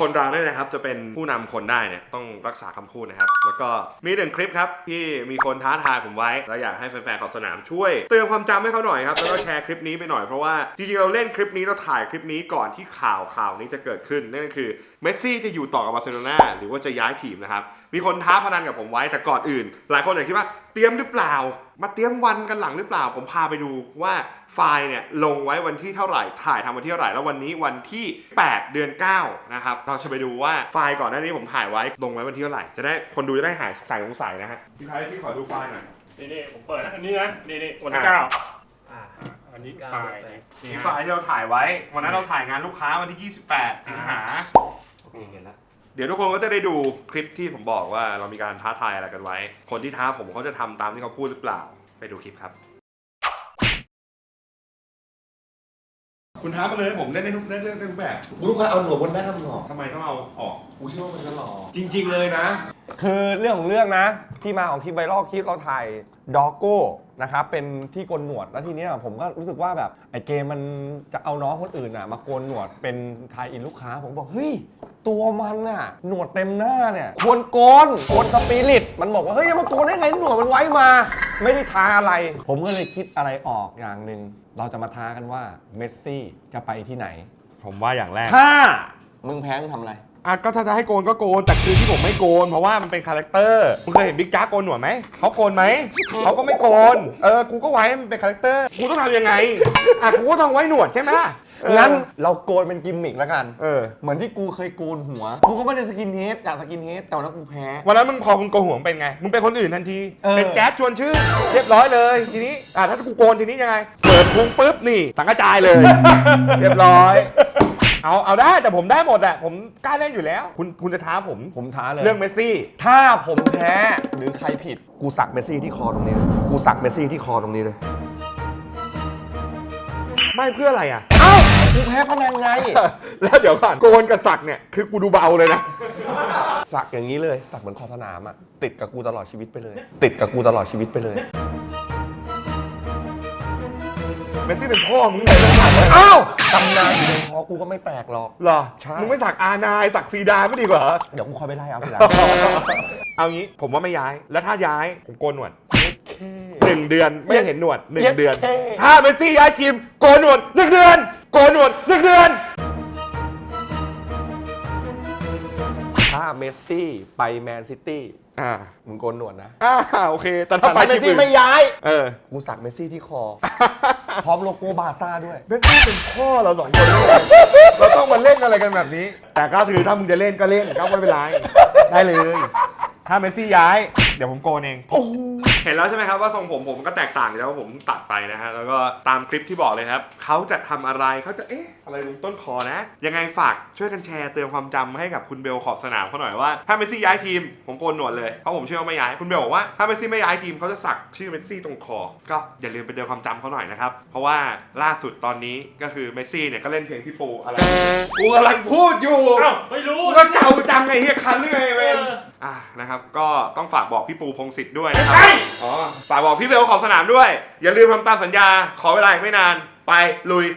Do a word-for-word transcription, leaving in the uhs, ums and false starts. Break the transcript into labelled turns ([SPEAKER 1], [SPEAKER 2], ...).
[SPEAKER 1] คนเราเนี่ยนะครับจะเป็นผู้นำคนได้เนี่ยต้องรักษาคำพูดนะครับแล้วก็มีหนึ่งคลิปครับที่มีคนท้าทายผมไว้แล้วอยากให้แฟนๆของสนามช่วยเตือนความจำให้เขาหน่อยครับแล้วก็แชร์คลิปนี้ไปหน่อยเพราะว่าจริงๆเราเล่นคลิปนี้เราถ่ายคลิปนี้ก่อนที่ข่าวข่าวนี้จะเกิดขึ้นนั่นก็คือเมสซี่จะอยู่ต่อกับบาร์เซโลนาหรือว่าจะย้ายทีมนะครับมีคนท้าพนันกับผมไว้แต่ก่อนอื่นหลายคนอาจคิดว่าเตรียมหรือเปล่ามาเตรียมวันกันหลังหรือเปล่าผมพาไปดูว่าไฟล์เนี่ยลงไว้วันที่เท่าไหร่ถ่ายทำวันที่เท่าไหร่แล้ววันนี้วันที่แปดเดือนเก้านะครับเราจะไปดูว่าไฟล์ก่อนหน้านี้ผมถ่ายไว้ลงไว้วันที่เท่าไหร่จะได้คนดูจะได้หายสายสงสัยนะฮะพี่ไทยพี่ขอดูไฟล์หน่อย
[SPEAKER 2] นี่นี่ผมเปิดนะอันนี้นะนี่นี่วันที่เก้าอันนี้ไฟล์
[SPEAKER 1] นี่ไฟล์ที่เราถ่ายไว้วันนั้นเราถ่ายงานลูกค้าวันที่ยี่สิบแปดสิงหา
[SPEAKER 3] โอเคเห็นแล้ว
[SPEAKER 1] เดี๋ยวทุกคนก็จะได้ดูคลิปที่ผมบอกว่าเรามีการท้าทายอะไรกันไว้คนที่ท้าผมเขาจะทำตามที่เขาพูดหรือเปล่าไปดูคลิปครับคุณท้ามาเลยผมเล่นได้ทุกเล่นได้ทุกแบบ
[SPEAKER 3] กูรู้ว่าเอาหนวดบนหน้ามันออก
[SPEAKER 1] ทำไมต้องเอาออก
[SPEAKER 3] กูเชื่อว่ามันจะหล่อ
[SPEAKER 1] จริงๆเลยนะ
[SPEAKER 4] คือเรื่องของเรื่องนะที่มาของคลิปไวรัลคลิปเราถ่ายด็อกโก้นะครับเป็นที่โกนหนวดแล้วทีนี้ผมก็รู้สึกว่าแบบไอ้เกมมันจะเอาน้องคนอื่นอ่ะมาโกนหนวดเป็นทายอินลูกค้าผมบอกเฮ้ยตัวมันอ่ะหนวดเต็มหน้าเนี่ยควรโกนควรสปิริตมันบอกว่าเฮ้ยมาโกนได้ไงหนวดมันไว้มาไม่ได้ทาอะไร ผมก็เลยคิดอะไรออกอย่างหนึ่งเราจะมาท้ากันว่าเมสซี่จะไปที่ไหน
[SPEAKER 1] ผมว่าอย่างแรก
[SPEAKER 4] ถ้ามึงแพ้มึงทำอะไร
[SPEAKER 1] อ่ะก็ถ้าจะให้โกนก็โกนแต่คือที่ผมไม่โกนเพราะว่ามันเป็นคาแรคเตอร์คุณเคยเห็นบิ๊กจ๊าโกนหนวดไหมเขาโกนไหมเขาก็ไม่โกนเออกูก็ไว้มันเป็นคาแรคเตอร์กูต้องทำยังไงอ่ะกูก็ต้องไว้หนวดใช่ไหม
[SPEAKER 4] งั้นเราโกนเป็นกิมมิกแล้วกัน
[SPEAKER 1] เออ
[SPEAKER 4] เหมือนที่กูเคยโกนหัว กูก็ไม่ได้สกินเฮดอยากสกินเฮดแต่วันนั้นกูแพ้
[SPEAKER 1] วันนั้นมึงพอมึงโกนหัวเป็นไงมึงเป็นคนอื่นทันที
[SPEAKER 4] เออ
[SPEAKER 1] เป็นแก๊สชวนชื่อเรียบร้อยเลยทีนี้อ่ะถ้ากูโกนทีนี้ยังไงเปิดพุงปุ๊บนี่สังกระจายเลย เรียบร้อยเอาเอาได้แต่ผมได้หมดอะผมกล้าเล่นอยู่แล้ว คุณคุณจะท้าผม
[SPEAKER 4] ผมท้าเลย
[SPEAKER 1] เรื่องเมสซี่
[SPEAKER 4] ถ้าผมแพ้หรือใครผิด กูสักเมสซี่ที่คอตรงนี้เลยกูสักเมสซี่ที่คอตรงนี้เลย
[SPEAKER 1] ไม่เพื่ออะไรอะ
[SPEAKER 4] เอ้า กูแพ้พนันไง
[SPEAKER 1] แล้วเดี๋ยวก่อนโกนกับสักเนี่ยคือกูดูเบาเลยนะ
[SPEAKER 4] สักอย่างนี้เลย สักเหมือนขอบสนามอะติดกับกูตลอดชีวิตไปเลย ติดกับกูตลอดชีวิตไปเลย
[SPEAKER 1] เมสซี่เป็นพ่อมึงเลยนะ
[SPEAKER 4] เอ้าตำนานอยู่ในคอกูก็ไม่แปลกหรอก
[SPEAKER 1] เหรอ
[SPEAKER 4] ใช่
[SPEAKER 1] มึงไม่สักอานายสักซีดาไม่ดีกว่า
[SPEAKER 4] เดี๋ยวกูคอยไปไล่เอาทีหลัง
[SPEAKER 1] เอางี้ผมว่าไม่ย้ายแล้วถ้าย้ายผมโกนหนวดหนึ่งเดือนไม่เห็นหนวดหนึ่งเดือน ถ้าเมสซี่ย้ายทีมโกนหนวดหนึ่งเดือนโกนหนวดหนึ่งเดือน
[SPEAKER 4] ถ้าเมสซี่ไปแมนซิตี้
[SPEAKER 1] อ่า
[SPEAKER 4] มึงโกนหนวดนะ
[SPEAKER 1] อ่าโอเคแต่
[SPEAKER 4] ถ้าไปเมสซี่ไม่ย้าย
[SPEAKER 1] เออ
[SPEAKER 4] กูสักเมสซี่ที่คอ พร้อมโลโก้บาร์ซ่าด้วย
[SPEAKER 1] เมสซี่เป็นพ่อเราสองคนเราต้องมาเล่นอะไรกันแบบนี้ แต่ก็คือถ้ามึงจะเล่นก็เล่นก็ไม่เป็นไรได้เลย ถ้าเมสซี่ย้ายเดี๋ยวผมโกนเองเห็นแล้วใช่ไหมครับว่าทรงผมผมก็แตกต่างจากว่าผมตัดไปนะฮะแล้วก็ตามคลิปที่บอกเลยครับเขาจะทำอะไรเขาจะเอ๊ะอะไรตรงต้นคอนะยังไงฝากช่วยกันแชร์เตือนความจำให้กับคุณเบลขอบสนามเขาหน่อยว่าถ้าเมสซี่ย้ายทีมผมโกนหนวดเลยเพราะผมเชื่อว่าไม่ย้ายคุณเบลบอกว่าถ้าเมสซี่ไม่ย้ายทีมเขาจะสักชื่อเมสซี่ตรงคอก็อย่าลืมไปเตือนความจำเขาหน่อยนะครับเพราะว่าล่าสุดตอนนี้ก็คือเมสซี่เนี่ยก็เล่นเพลงพี่ปูอะไรกูกำลังพูดอยู่
[SPEAKER 2] เอ้าไม่รู้
[SPEAKER 1] ก็เก่าจังไงเฮียคันหรือไงเว้ย
[SPEAKER 2] เออ
[SPEAKER 1] อ่ะนะครับก็ต้องฝากบอกพี่ปูพงศิษฐ์ด้วยนะครับอ๋อฝากบอกพี่เบลขอบสนามด้วยอย่าลืมทำตามสัญญาขอเวลาอีกไม่นานไปลุย